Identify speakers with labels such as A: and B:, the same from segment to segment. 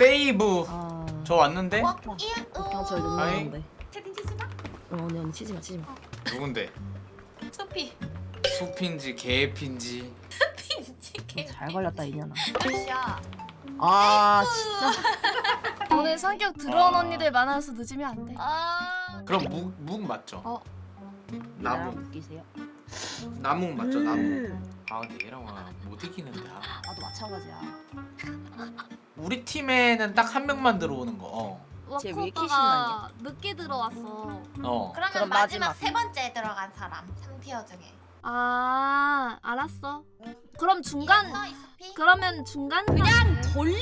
A: 세이브. 저 왔는데?
B: 저 이거
A: 아이.
B: 넣는데.
C: 채팅 치지 마.
B: 언니 치지 마.
A: 누군데?
C: 소피.
A: 숲인지 개핀지.
C: 핀치게.
B: 잘 걸렸다 이년아.
C: 아시야.
B: 아 진짜.
D: 오늘 성격 더러운 언니들 많아서 늦으면 안 돼.
A: 그럼 묵 맞죠? 나무.
B: 웃기세요?
A: 나무 맞죠? 나무. 아 근데 얘랑 못 이기는데.
B: 나도 마찬가지야.
A: 우리 팀에는 딱 한 명만 들어오는 거.
B: 쟤왜
D: 와코
B: 키시는
D: 오빠가 늦게 들어왔어.
A: 어.
C: 그러면
B: 그럼
C: 마지막
B: 마지막.
C: 세 번째 들어간 사람 3티어 중에.
D: 아 알았어. 그럼 중간
C: 이겼어, 이 소피?
D: 그러면 중간 그냥
B: 돌려.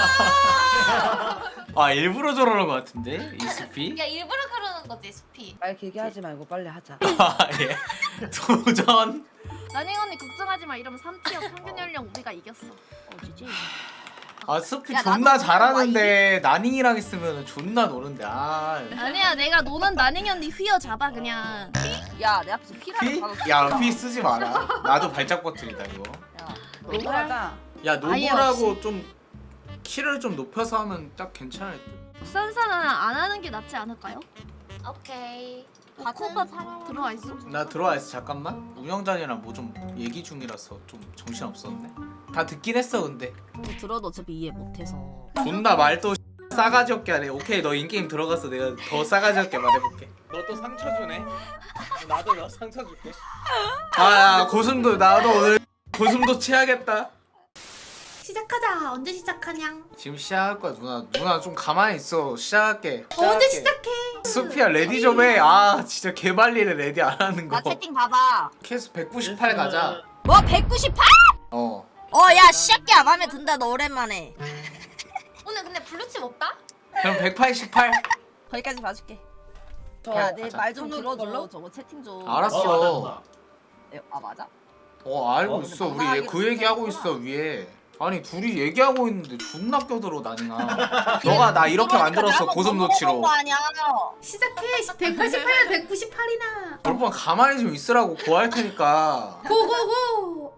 A: 아 일부러 저러는 것 같은데 이 숲이.
C: 야 일부러 그러는 거지 소피.
B: 말 길게 하지 말고 빨리 하자.
A: 아 예. 도전.
D: 나닝 언니 걱정하지 마. 이러면 3티어 평균 연령 우리가 이겼어.
B: 어디지?
A: 아 숲이
B: 야,
A: 존나
B: 나도
A: 잘하는데 나닝이랑 있으면 존나 노는데. 아.
D: 아니야 내가 노는 나닝 언니 휘어 잡아 그냥.
B: 야 내 앞에서 피라는
A: 휘?
B: 단어
A: 야 휘 쓰지 마라. 나도 발작 버튼이다 이거.
B: 야 노브라자.
A: 야
D: 아예
A: 노브라고 좀 키를 좀 높여서 하면 딱 괜찮을 듯.
D: 선사는 안 하는 게 낫지 않을까요?
C: 오케이.
D: 코가 들어와 있어.
A: 나 들어와 있어 잠깐만. 운영자님이랑 뭐 좀 얘기 중이라서 좀 정신 없었네. 다 듣긴 했어 근데.
B: 들어도 어차피 이해 못해서.
A: 존나 말도 싸가지 없게 하네. 오케이 너 인게임 들어가서 내가 더 싸가지 없게 말해볼게. 너 또 상처 주네. 나도 너 상처 줄게. 아 고슴도 나도 오늘 고슴도 치야겠다.
C: 시작하자. 언제 시작하냐?
A: 지금 시작할 거야 누나. 누나 좀 가만히 있어. 시작할게.
C: 언제 시작해?
A: 수피야 레디 좀 해. 아 진짜 개발리를 레디 안 하는 거.
B: 나 채팅 봐봐.
A: 캐스 198 가자.
B: 뭐 198?
A: 어.
B: 야 시작이야 맘에 든다 너 오랜만에.
C: 오늘 근데 블루칩 없다?
A: 그럼 188.
B: 거기까지 봐줄게.
A: 가자.
B: 야내 말 좀 들어줘. 저거 채팅 좀.
A: 알았어.
B: 아 맞아?
A: 알고 있어. 우리 얘 그 얘기 하고 있어 위에. 아니 둘이 얘기하고 있는데 존나 껴들어 나니나. 너가 나 이렇게 만들었어 고슴도치로.
C: 시작해. 188면 198이나.
A: 여러분 가만히 좀 있으라고 고할 테니까.
C: 고고고.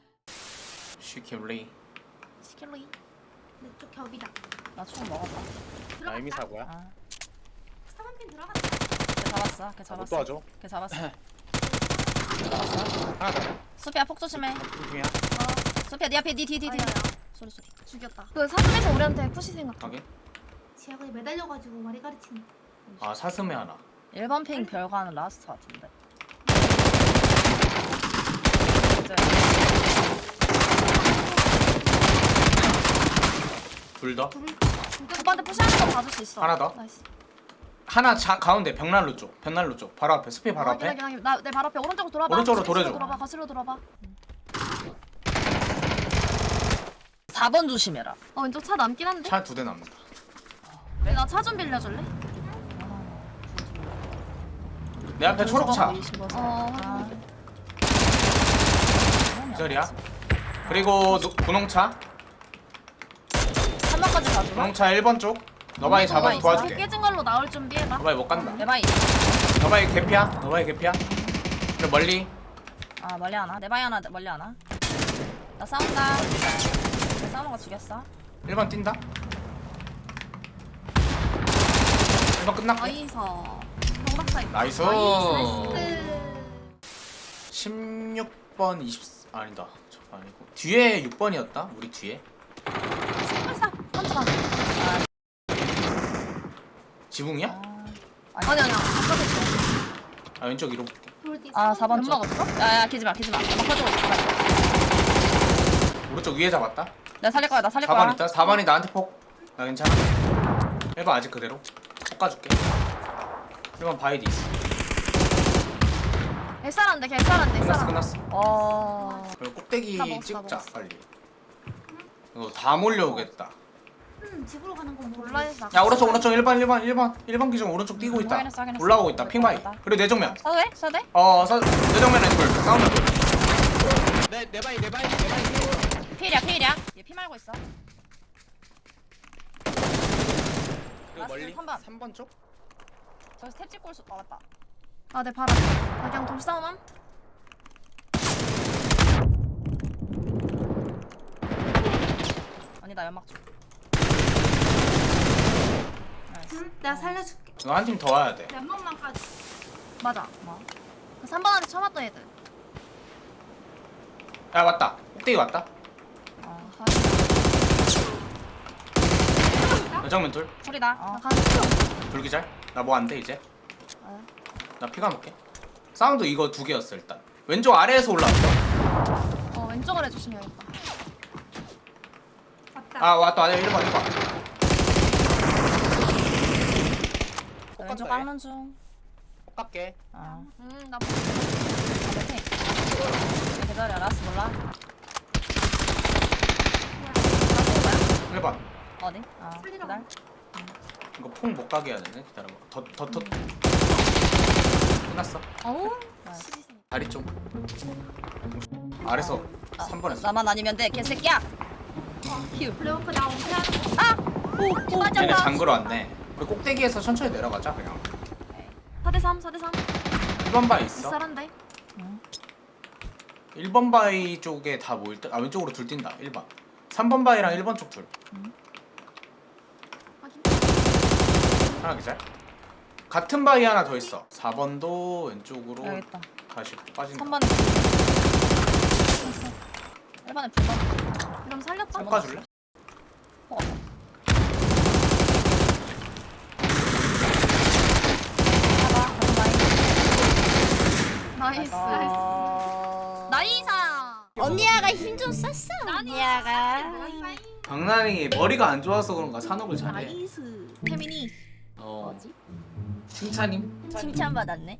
A: 시킬리.
C: 시킬로이. 내쪽 겹이다.
B: 나 총 먹었다.
A: 나 이미 사고야.
B: 아,
C: 사방핀 들어갔다.
B: 걔 잡았어. 걔 잡았어.
A: 도와줘.
B: 걔 잡았어.
A: 하나 더.
B: 수피야 폭 조심해.
A: 중이야.
B: 수피야 네 앞에 네 뒤.
D: 아니야.
B: 소리.
D: 죽였다. 그 사슴에서 우리한테 푸시 생각.
A: 확인.
C: 지하에 매달려가지고 말이 가르치는.
A: 아 사슴에 하나.
B: 1번 핑 별과는 라스트 같은데.
A: 둘 더.
D: 오빠한테 푸시하는 거 봐줄 수 있어.
A: 하나 더?
D: 나이스.
A: 하나 가운데 벽난로 쪽. 벽난로 쪽. 바로 앞에. 스피 바로 앞에.
D: 나내 바로 앞에 오른쪽으로 돌아봐.
A: 오른쪽으로
D: 거슬러
A: 돌아줘.
D: 돌아봐. 거슬러 돌아봐.
B: 4번 조심해라.
D: 왼쪽 차 남긴 한데.
A: 차 2대 남는다.
D: 나 차 좀 빌려줄래?
A: 내 앞에 초록차.
D: 어.
A: 이 자리야. 그리고 분홍차.
B: 3번까지 봐줘.
A: 분홍차 1번 쪽. 너바이 잡아
B: 너바이
A: 도와줄게.
D: 깨진 걸로 나올 준비해봐.
A: 너바이 못 간다.
B: 내 바이.
A: 너바이 개피야. 너바이 개피야. 그래 멀리.
B: 아 멀리 하나. 내 바이 하나. 멀리 하나. 나 싸운다. 내 싸우는 거 죽였어.
A: 1번 뛴다. 1번 끝났고.
D: 어이서. 경박사 있다.
A: 나이스.
D: 나이스.
A: 16번 20 아니다. 저 아니고 뒤에 6번이었다. 우리 뒤에.
D: 살짝 한쪽 안.
A: 지붕이야?
D: 아니 아니야. 바깥에 있어.
A: 아 왼쪽 이로 볼게.
B: 아 4번 쪽.
D: 연막 없어?
B: 야야 기지마. 연막 가지고 있어.
A: 오른쪽 위에 잡았다.
B: 나 살릴 거야.
A: 4번 있다. 4번이 나한테 폭. 나 괜찮아. 1번 아직 그대로. 폭 가줄게. 1번 바이디 있어.
D: 개쌀한데 개쌀한데.
A: 끝났어. 그리고 꼭대기
D: 다 먹었어,
A: 찍자
D: 다 먹었어.
A: 빨리. 이거 다 몰려오겠다.
C: 집으로 가는 건
D: 몰라 했어.
A: 야 오른쪽 1번 기준 오른쪽 뛰고 있다.
B: 확인했어.
A: 올라오고 있다. 핑바이. 그리고 내 정면.
B: 써도 돼? 써도 돼?
A: 내 정면에 돌. 사운드 돌.
E: 내 바이
B: 필이야. 얘 피 말고 있어.
A: 그리고 멀리
B: 3번.
A: 3번 쪽.
B: 저기 스텝 찍고 올수. 맞다.
D: 아내 발 앞에. 나 그냥 돌싸움함.
B: 언니 나 연막 줘.
C: 응? 내가 살려줄게.
A: 너 한 팀 더 와야 돼.
C: 내 명만 까지.
D: 맞아.
B: 뭐?
D: 그 3번한테 처음 왔던 애들.
A: 야 왔다. 꼭대기 왔다.
B: 어,
A: 정면 둘.
B: 소리다.
D: 나 가는 중.
A: 불기잘. 나 뭐 안 돼 이제.
B: 어.
A: 나 피가 먹게. 사운드 이거 두 개였어 일단. 왼쪽 아래에서 올라왔어.
D: 왼쪽을 해주시면 겠다
C: 왔다.
A: 아 왔다. 1번 1번.
B: 왼쪽 깎는 중.
A: 깎게.
B: 어.
D: 나
B: 오케이. 기다려. 라스 몰라.
A: 1번.
B: 어디? 아,
C: 살리러
B: 기다려.
A: 이거 폭 못 가게 해야 되네. 기다려봐. 더. 끝났어.
D: 어우.
A: 다리 쪽. 아래서 3번 했어.
B: 나만 아니면 돼, 개새끼야. 휴.
C: 블레오크 나 은퇴하는 거.
B: 오,
A: 얘네 장그러 왔네. 그 꼭대기에서 천천히 내려가자 그냥.
D: 4대3 4대3.
A: 1번 바위 있어.
D: 쌀한데.
A: 1번 바위 쪽에 다 모일 때. 아 왼쪽으로 둘 뛴다. 1번. 3번 바위랑 1번 쪽 둘.
D: 확인.
A: 하나 기절. 같은 바위 하나 더 있어. 4번도 왼쪽으로
B: 여기 있다.
A: 다시 빠진다.
B: 3번에 1번에 불번.
D: 이러면 살렸다.
A: 깎아줄래?
B: 어. 봐봐,
D: 나이스.
B: 어...
D: 나이사.
B: 언니야가 힘 좀 썼어. 언니야가.
C: 바이바이.
A: 강난이 머리가 안 좋아서 그런가 산업을 잘해.
D: 나이스. 태민이.
A: 뭐지? 칭찬임?
B: 칭찬받았네.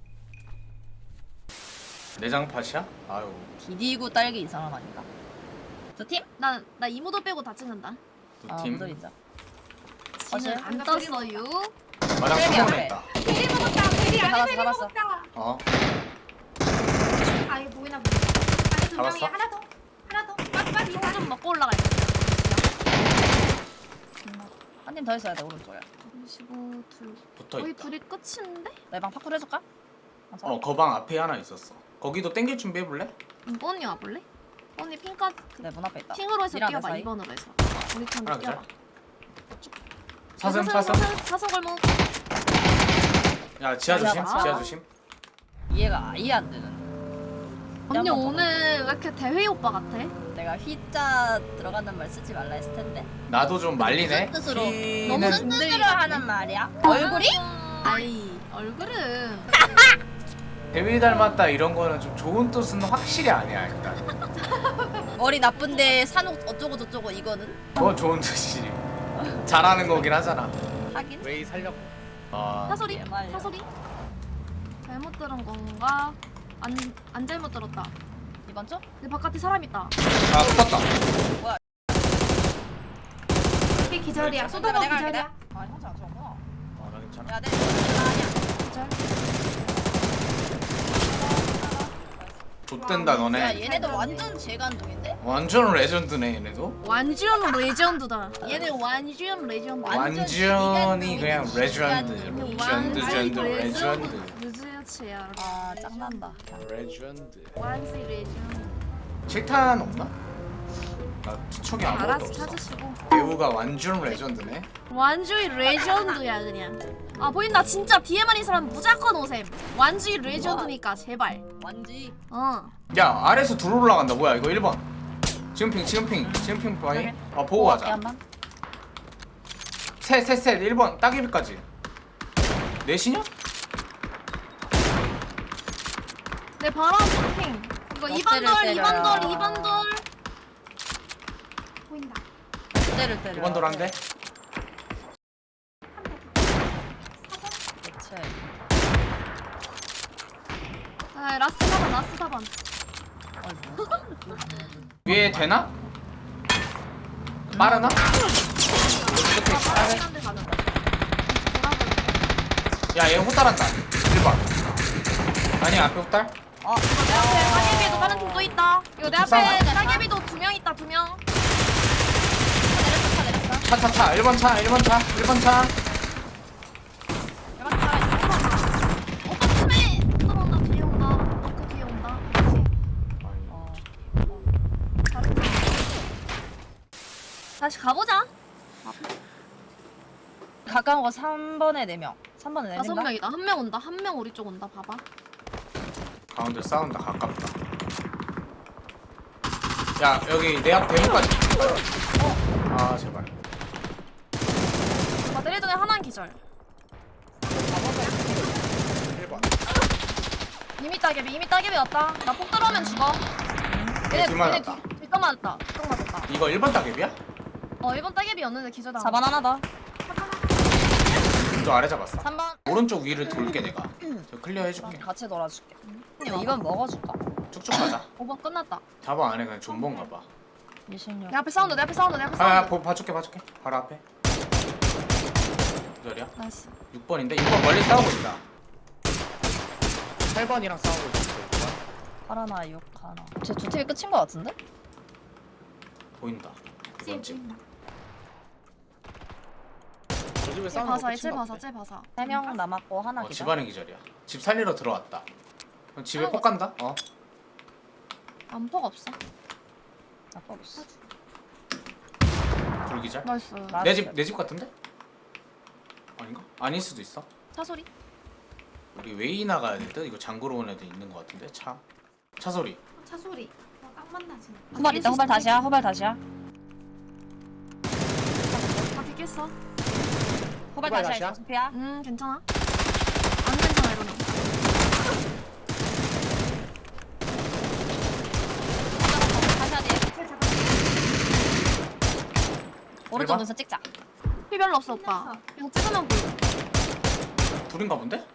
A: 내장 팟이야? 아유.
B: 디디구 딸기 이 사람 아닌가? 저 팀?
D: 나 이모도 빼고 다 찍는다.
A: 두 팀.
B: 무들 있죠.
D: 지는 안 떴어요.
A: 마당
B: 그래,
A: 한번
B: 그래.
A: 했다.
C: 베리 먹었다. 베리 안에
B: 잡았어,
C: 베리
B: 잡았어.
C: 먹었다.
A: 어?
C: 아 이거 보이나 보네. 안에 두 명이
A: 잡았어?
C: 하나 더. 하나 더. 빨리
D: 이거 좀 먹고 올라가야 돼.
B: 한 팀 더 있어야 돼 오른쪽에.
D: 25 둘.
A: 붙어
D: 거의
A: 있다.
D: 둘이 끝인데?
B: 내방 파쿠르 해줄까?
A: 거방 앞에 하나 있었어. 거기도 땡길 준비 해볼래?
D: 뽀언니 와볼래? 뽀언니 핑까지
B: 내문 앞에 있다.
D: 핑으로 해서
B: 이랑
D: 뛰어봐.
B: 내 사이?
D: 2번으로 해서. 우리 편
A: 하나
D: 뛰어봐.
A: 사슴 사슴.
D: 사슴 골목.
A: 야 지하 조심.
B: 지하 봐.
A: 지하 조심.
B: 이해가 아예 안 되는.
D: 언니
B: 한번
D: 오늘 왜 이렇게 대회 오빠 같아?
B: 내가 휘자 들어가는 말 쓰지 말라 했을 텐데.
A: 나도 좀 말리네.
B: 무슨 뜻으로?
A: 휘는-
B: 너무 무슨 뜻으로 하는 말이야? 얼굴이?
D: 아이 얼굴은
A: 데뷔 닮았다 이런 거는 좀 좋은 뜻은 확실히 아니야 일단.
B: 머리 나쁜데 산옥 어쩌고 저쩌고 이거는
A: 그건 좋은 뜻이지. 잘하는 거긴 하잖아.
B: 하긴.
A: 웨이 살려고. 아.
D: 사소리
B: 말려.
D: 사소리 잘못 들은 건가? 안 잘못 들었다.
B: 이번 주?
D: 내 바깥에 사람 있다.
A: 아 붙었다.
C: 이게 기절이야.
B: 내가
C: 소다가
B: 할게,
C: 기절이야.
B: 내가. 아 형사 안 좋았구나.
A: 나 괜찮아.
B: 야, 내 아니야.
A: 좆된다 너네.
B: 야, 얘네들 완전 재간둥인데?
A: 완전 레전드네 얘네도.
D: 완전 레전드다. 얘는 완전 레전드.
A: 완전히 그냥 레전드.
B: 시간이
A: 레전드 레전드 레전드.
D: 루즈치야.
B: 아, 짱난다.
A: 레전드.
D: 완전 레전드.
A: 칠탄 없나? 나 투척이 아무것도
D: 알아서
A: 없어.
D: 찾으시고.
A: 배우가 완전 레전드네.
D: 완전 레전드야 그냥. 아 보인다 진짜 뒤에만 있는 사람 무조건 오셈. 완전 레전드니까 제발.
B: 완지.
A: 야 아래에서 둘 올라간다. 뭐야 이거 1번. 지금 핑 바이. 아 보고 가자.
B: 한번.
A: 셋 1번 따개비까지. 넷이냐?
D: 내 바로 쇼핑. 이거
B: 엎드려
D: 2번 돌
B: 때려요.
D: 2번 돌 2번 돌.
C: 보인다.
B: 때려.
A: 2번 돌았는데?
B: 그치.
D: 아 라스트 4번 라스트 4번.
A: 위에 되나? 빠르나?
D: 빠른 데 가는 거.
A: 야얘 호달한다. 1번. 아니 앞에 호달?
B: 어.
D: 내 앞에 따개비도 다른 팀 또 있다. 이거 내 앞에
A: 불쌍하다.
D: 따개비도 2명 있다 2명.
B: 내렸어.
A: 차 1번 차 1번 차.
D: 오빠 팀에 들어온다 뒤에 온다. 너그 뒤에 온다. 다른 팀. 다시 가보자.
B: 가까운 거 3번에 4명. 3번에 4명.
D: 5명이다. 한 명 온다. 한 명 우리 쪽 온다. 봐봐.
A: 가운데 싸운다. 가깝다. 야 여기 내 앞 대문까지. 아 제발.
D: 아, 때리던 애 하나는 기절.
A: 1번.
D: 이미 따개비 왔다. 나 폭 들어오면 죽어.
A: 얘 둘 맞았다.
D: 뒷각 맞았다. 뒷각 맞았다.
A: 이거 1번 따개비야?
D: 1번 따개비였는데 기절당.
B: 4번 하나 더.
A: 저 아래 잡았어.
B: 3번.
A: 오른쪽 위를 돌게 내가. 저 클리어 해줄게.
B: 같이 놀아줄게. 2번 먹어줄까?
A: 쭉쭉 가자.
D: 5번 끝났다.
A: 4번 안에 그냥 존버인가 봐.
B: 26.
D: 내 앞에 사운드. 내 앞에 사운드.
A: 아 봐줄게. 바로 앞에. 기절이야?
D: 나이스.
A: 6번인데 6번 멀리 싸우고 있다. 8번이랑 싸우고 있어. 6번.
B: 하나 6 하나. 쟤 두 팀이 끝인 거 같은데?
A: 보인다. 이번 집.
D: 쟤 봐사. 쟤 봐사. 쟤 봐사.
B: 3명 남았고 하나 기절.
A: 집안의 기절이야. 집 살리러 들어왔다. 그럼 집에 폭 간다? 어.
D: 안폭 없어.
B: 나빠 없어.
A: 불 기절?
D: 나이스.
A: 내 집 같은데? 아닌가? 아닐 수도 있어.
D: 차 소리.
A: 우리 웨이 나가야 될 듯? 이거 장구로 온 애들 있는 거 같은데? 차 소리.
C: 차 소리. 딱 만나지.
B: 후발 있다. 후발 다시야. 후발 다시야.
D: 바퀴 깼어.
B: 후발
A: 후발
B: 다시야.
A: 다시야?
B: 소피야.
D: 괜찮아. 안 괜찮아 이거는.
B: 다시야 뒤에. 오른쪽
A: 일번?
B: 눈썹 찍자.
D: 피 별로 없어 오빠. 이거 찍으면 보여.
A: 둘인가 본데?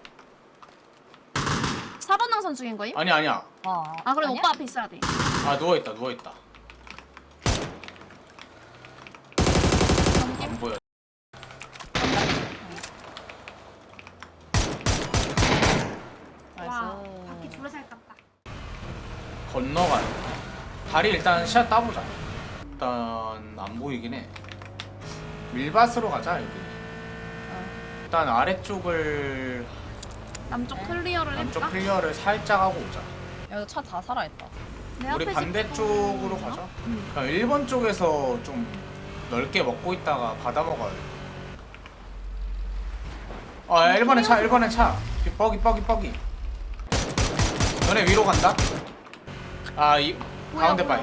D: 4번 능선 중인 거임?
A: 아니야.
D: 아 그럼
B: 아니야?
D: 오빠 앞에 있어야 돼.
A: 아 누워있다. 안 보여.
C: 와,
B: 나이스.
C: 바퀴 졸라 잘 깠다.
A: 건너가요. 다리 일단 시야 따보자. 일단 안 보이긴 해. 밀밭으로 가자 여기. 일단 아래쪽을
D: 남쪽 클리어를
A: 남쪽
D: 해볼까?
A: 클리어를 살짝 하고 오자.
B: 여기 차 다 살아있다.
D: 내
A: 우리
D: 앞에
A: 반대쪽으로
D: 집
A: 가자.
D: 응.
A: 그냥 1번 쪽에서 좀 넓게 먹고 있다가 받아 먹어야 돼. 아 1번에 차. 뻐기. 너네 위로 간다? 이 가운데
D: 뭐야.
A: 바위.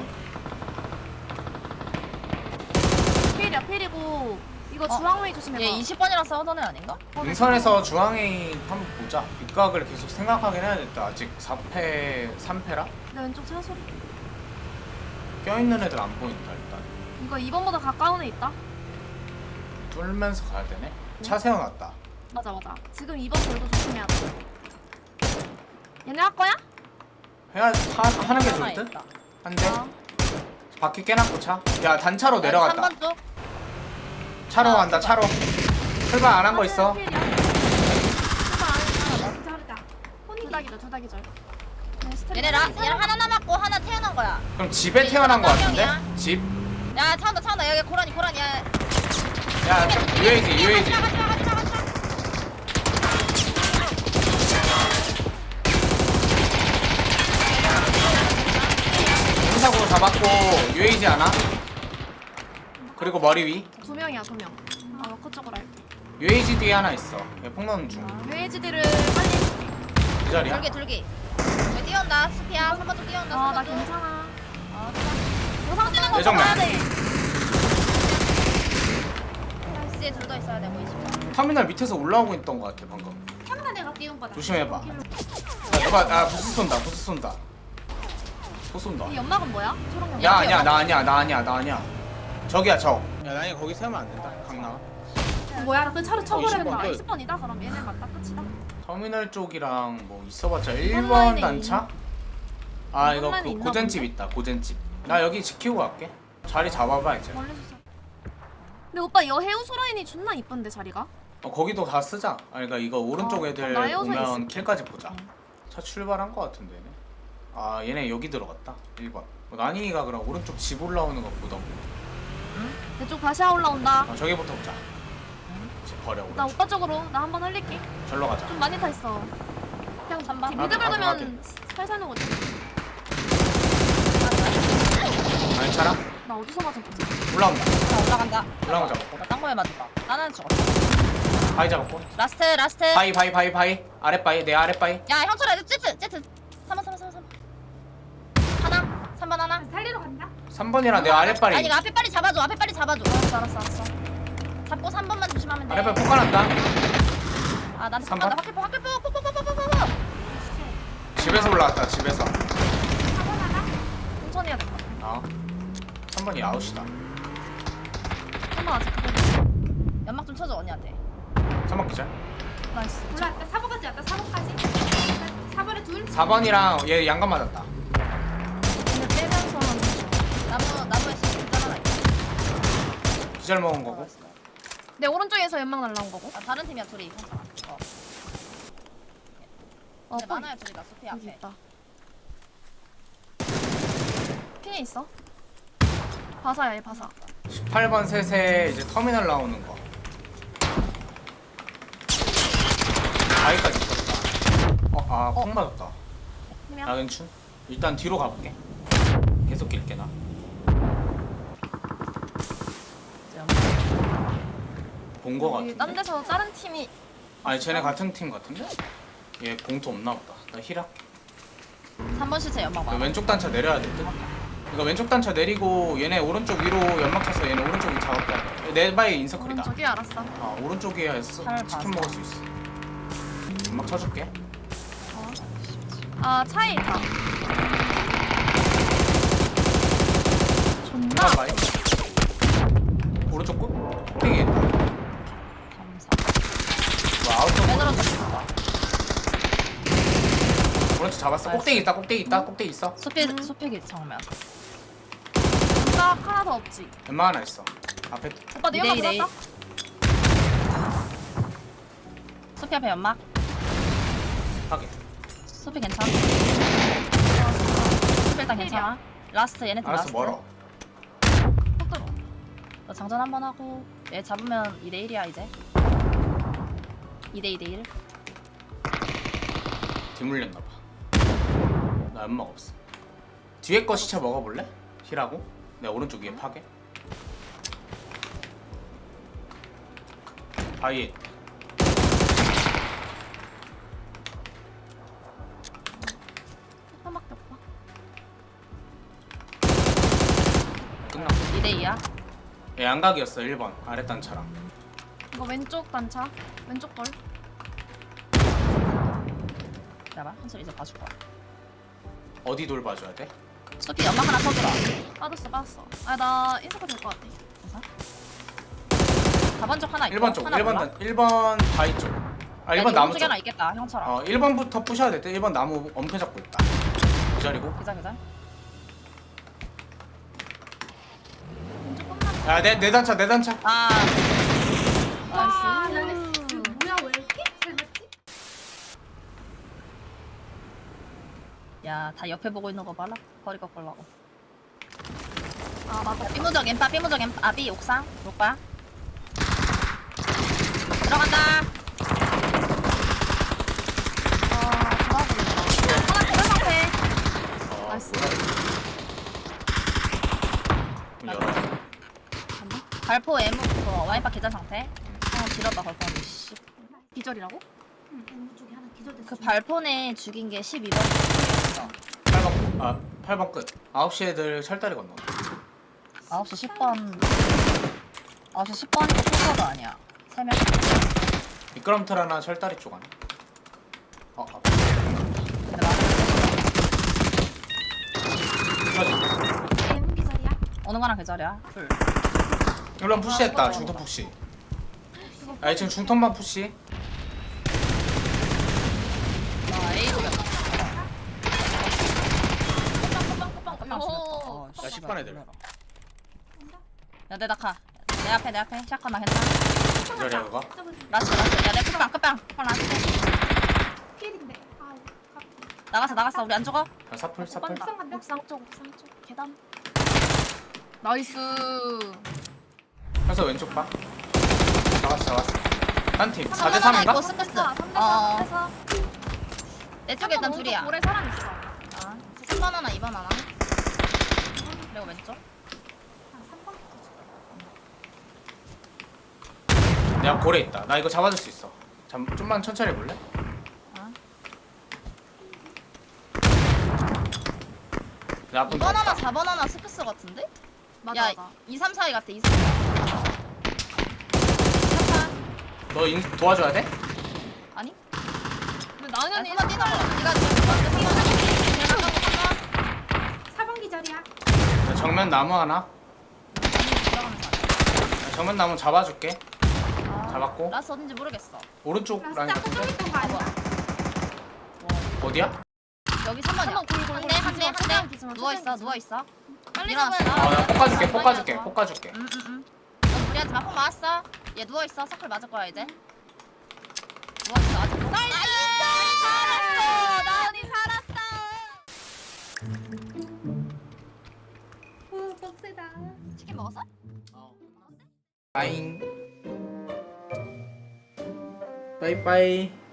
D: 필이고 이거 주황웨이 조심해봐.
B: 얘 20번이랑 싸우던 애 아닌가?
A: 능선에서 중앙에 한번 보자. 윗각을 계속 생각하긴 해야겠다. 아직 4패, 3패라?
D: 내 왼쪽 차 소리.
A: 껴있는 애들 안 보인다 일단.
D: 이거 2번보다 가까운 애 있다.
A: 뚫면서 가야 되네. 차 세워놨다.
D: 맞아. 지금 2번 돌도 조심해야 돼. 얘네 할 거야?
A: 하는 게
B: 하나
A: 좋을 듯?
B: 있다.
A: 한 대?
D: 어.
A: 바퀴 깨놨고 차? 야 단차로 내려갔다.
B: 3번 쪽.
A: 차로 간다 차로. 출발 안 한 거 있어.
D: 필이야.
C: 다르다.
D: 둘 다 기절. 네, 스트레스.
B: 얘네 하나 남았고 하나 태어난 거야.
A: 그럼 집에 태어난 거 같은데?
B: 명이야.
A: 집?
B: 야 차온다 여기 고라니 야.
A: 야 UAG.
B: 가지마.
A: 사고 잡았고 UAG 하나. 그리고 머리 위.
D: 2명이야 2명. 아 워커 쪽으로 할게.
A: UAG 뒤에 하나 있어. 얘 폭로는 중.
D: UAGD를 빨리 해줄게.
A: 그 자리야?
B: 둘기. 여기 뛰어온다. 수피야. 3번 쪽 뛰어온다.
D: 나
B: 3번 쪽.
D: 괜찮아. 영상 뛰는 거
A: 예정면.
D: 봐야 돼.
B: X에 둘 더 있어야 돼. 보이시죠?
A: 터미널 밑에서 올라오고 있던 거 같아 방금.
C: 카메라 내가 띄운 거다.
A: 조심해봐. 부스 쏜다. 또 쏜다.
D: 이 연막은 뭐야? 초록 연막.
A: 야 아니야 나 아니야. 저기야 적. 야 나이 거기 세우면 안 된다. 강남.
C: 뭐야, 나 그 차로 쳐버렸다.
A: 20번.
D: 20번이다 그럼 얘네 맞다 끝이다.
A: 터미널 쪽이랑 뭐 있어봤자
D: 온라인에
A: 1번 단차? 아 이거
D: 온라인에 있나
A: 고젠집
D: 본데?
A: 있다. 고젠집. 나 여기 지키고 갈게. 자리 잡아봐 이제.
D: 원래 주세요. 근데 오빠 이 해우소 라인이 존나 이쁜데 자리가?
A: 거기도 다 쓰자. 그러니까 이거 오른쪽 애들
D: 나 에어서
A: 오면
D: 있어.
A: 킬까지 보자. 차 출발한 거 같은데 얘네. 얘네 여기 들어갔다. 1번. 난이가 그럼 오른쪽 집 올라오는 거 보던.
D: 내 쪽 다시 올라온다.
A: 저기부터 보자. 집 버려
D: 나
A: 오른쪽.
D: 오빠 쪽으로 나 한번 흘릴게.
A: 절로 가자.
D: 좀 많이 타 있어. 그냥
B: 3번.
D: 미드
A: 확인,
D: 밟으면 살살 녹거든.
A: 괜찮아?
D: 나 어디서 맞았지?
A: 올라온다.
B: 자, 올라간다.
A: 올라가자 먹고.
B: 나딴 거에 맞았다. 나는 죽었어.
A: 바위 잡았고.
B: 라스트.
A: 바위. 아랫바위. 내 아랫바위.
B: 야, 형철아, 제트. 3번. 하나. 3번 하나.
C: 살리러 간다.
A: 3번이랑 내 아랫바위.
B: 아니, 이거 앞에 빨리 잡아줘. 알았어. 잡고 3번만 조심하면 돼.
A: 아랫바위 폭가났다.
B: 아, 나한테
A: 3번?
B: 폭간다. 확킬포.
A: 집에서 올라왔다. 집에서.
D: 천천히 해야 될 것 같아.
A: 아. 3번이 아웃이다.
D: 한번 아직 그거
B: 연막 좀 쳐줘, 언니한테.
A: 3번 기절.
D: 나이스.
C: 올라왔다. 4번까지 왔다. 4번까지. 4번에 둘.
A: 4번이랑 얘 양감 맞았다.
D: 근데 빼면서 하는 중.
B: 나무에 있잖아.
A: 기절 먹은 거고.
D: 내 오른쪽에서 연막 날라온 거고.
B: 아, 다른 팀이야, 둘이. 괜찮아.
D: 어,
B: 근데 많아요, 둘이. 나 소피
D: 여기
B: 앞에.
D: 있다. 핑에 있어. 바사야, 얘 바사.
A: 18번 셋에 이제 터미널 나오는 거. 바위까지 있었다. 콩 맞았다.
D: 그냥
A: 나 괜춘. 일단 뒤로 가볼게. 계속 낄게 나. 본 거
D: 여기
A: 같은데?
D: 딴 데서 다른 팀이
A: 아니 쟤네 같은 팀 같은데? 얘 공투 없나 보다. 나 힐할게.
B: 3번 시체 연막
A: 이거
B: 많아.
A: 왼쪽 단차 내려야 될 듯? 이거 왼쪽 단차 내리고 얘네 오른쪽 위로 연막 쳐서 얘네 오른쪽 위 작업해. 내 바위 인서클이다.
D: 오른쪽이 알았어.
A: 아 오른쪽에 해서
B: 잘
A: 치킨
B: 봐서.
A: 먹을 수 있어. 연막 쳐줄게.
D: 아, 차에 있다. 존나.
A: 연막 바위. 오른쪽 끝? 땡이 있다.
B: 감사.
A: 뭐 아웃도
B: 빼들어줬어.
A: 오른쪽 잡았어. 꼭대기 있다. 꼭대기 있어.
B: 소피기 정면.
D: 나 하나 더 없지.
A: 연막 하나 있어. 앞에
D: 오빠 내 연막
B: 이대
D: 들었다?
B: 소피 앞에 연막.
A: 하게.
B: 소피 괜찮아? 소피 일단 괜찮아. 라스트 얘네 팀
A: 알았어
B: 라스트.
A: 멀어.
D: 꼭 들어.
B: 너 장전 한 번 하고 얘 잡으면 2대1이야 이제. 2대1.
A: 뒤물렸나 봐. 나 연막 없어. 뒤에 거 시체 먹어볼래? 힐하고. 내 오른쪽 위에 파게. 바위에
D: 한밖에 없다.
A: 끝났어.
B: 2대2야.
A: 얘 양각이었어 1번 아랫 단차랑.
D: 이거 왼쪽 단차. 왼쪽 걸.
B: 봐봐. 한솔 이제 봐줄 거야.
A: 어디 돌봐줘야 돼?
B: 소피 연막 하나 쳐주라.
D: 빠졌어. 아, 나 인사가 될 것 같아.
B: 괜찮아? 4번 쪽 하나 있고
A: 1번 쪽
B: 하나
A: 1번
B: 몰라?
A: 1번 바위 쪽. 아
B: 야,
A: 1번
B: 네
A: 나무
B: 오른쪽에
A: 쪽.
B: 하나 있겠다 형처럼.
A: 1번부터 부셔야 될 때 1번 나무 엄폐 잡고 있다. 기다리고.
B: 기자.
D: 왼쪽 끝나.
A: 야내 단차
B: 아.
C: 와,
B: 나이스.
C: 나이스. 뭐야, 왜 이렇게 잘 맞지?
B: 야, 다 옆에 보고 있는 거 봐라. 거리 꺾으려고.
D: 아, 맞다.
B: 삐무적 엠빠. 삐 옥상. 볼까? 들어간다.
D: 아, 좋아 보인다. 하나 계단 상태. 나이스.
A: 문 열어.
B: 발포 M 그거 와인바 계좌 상태. 길었다 걸뻔. 씨.
D: 기절이라고?
C: 응, 왼쪽에 하나 기절됐어.
B: 그 발포네 죽인 게 12번.
A: 8번 끝. 9시 애들 철다리 건너.
B: 9시 10번. 9시 10번이고 풀커도 아니야. 3명.
A: 미끄럼틀 하나 철다리 쪽 하나.
B: 근데 나는
A: 부셔지.
C: M 기절이야.
B: 어느 거랑 계절이야? 풀.
A: 1번 푸시했다. 중턴 푸시. 아 지금 중턴만 푸시.
B: 나 A로 갔다.
D: 오.
A: 야 10번 애들.
B: 야, 내 낙하. 내 앞에. 샷건나 괜찮아.
A: 기다려 그거.
B: 라스. 야, 내 끝방. 라스.
C: 필인데. 아우,
B: 나갔어. 우리 안 죽어?
A: 야, 사풀.
C: 옥상 간다.
D: 옥상 쪽 계단. 나이스.
A: 해서 왼쪽 봐. 잡았어. 한 팀. 4대
B: 하나
A: 3인가?
B: 있고 스패스.
D: 3대4, 3대4.
B: 내 쪽에 일단 둘이야.
D: 볼에 사람 있어.
B: 아, 3번 하나, 2번 하나. 그리고 왼쪽.
A: 야 고래 있다. 나 이거 잡아줄 수 있어. 좀만 천천히 볼래?
B: 어?
A: 야 앞은
B: 2번 하나
A: 다
B: 4번 하나 스크스 같은데?
D: 맞아
B: 야
D: 맞아
B: 2, 3, 4위 같아 2, 3, 4.
A: 너 도와줘야 돼?
B: 아니?
D: 근데 나은이
B: 야
D: 언니
B: 3번 뛰는 거 니가 먼저 뛰어나.
C: 4번 기절이야.
A: 야, 정면 나무 하나.
B: 들어가면서
A: 야, 정면 나무 잡아줄게. 잡았고.
B: 라스 어딘지 모르겠어.
A: 오른쪽 라인
C: 라스트 아까
A: 같은데?
C: 저기 있던 거 아니야?
A: 어디야?
B: 여기 3번이야.
D: 한번 골골
B: 한대 누워있어 누워있어.
D: 빨리
B: 일어났어.
D: 잡아야
A: 아, 나 볶아줄게,
B: 아,
A: 볶아줄게,
B: 좋아.
A: 볶아줄게.
B: 응응응. 너 무리하지 마. 폭 맞았어. 얘 누워있어. 서클 맞을 거야 이제. 누워있어 아직. 나이스! 살았어. 나은이 살았어.
C: 오 빡세다.
B: 치킨 먹었어?
A: 빠잉. 빠이빠이.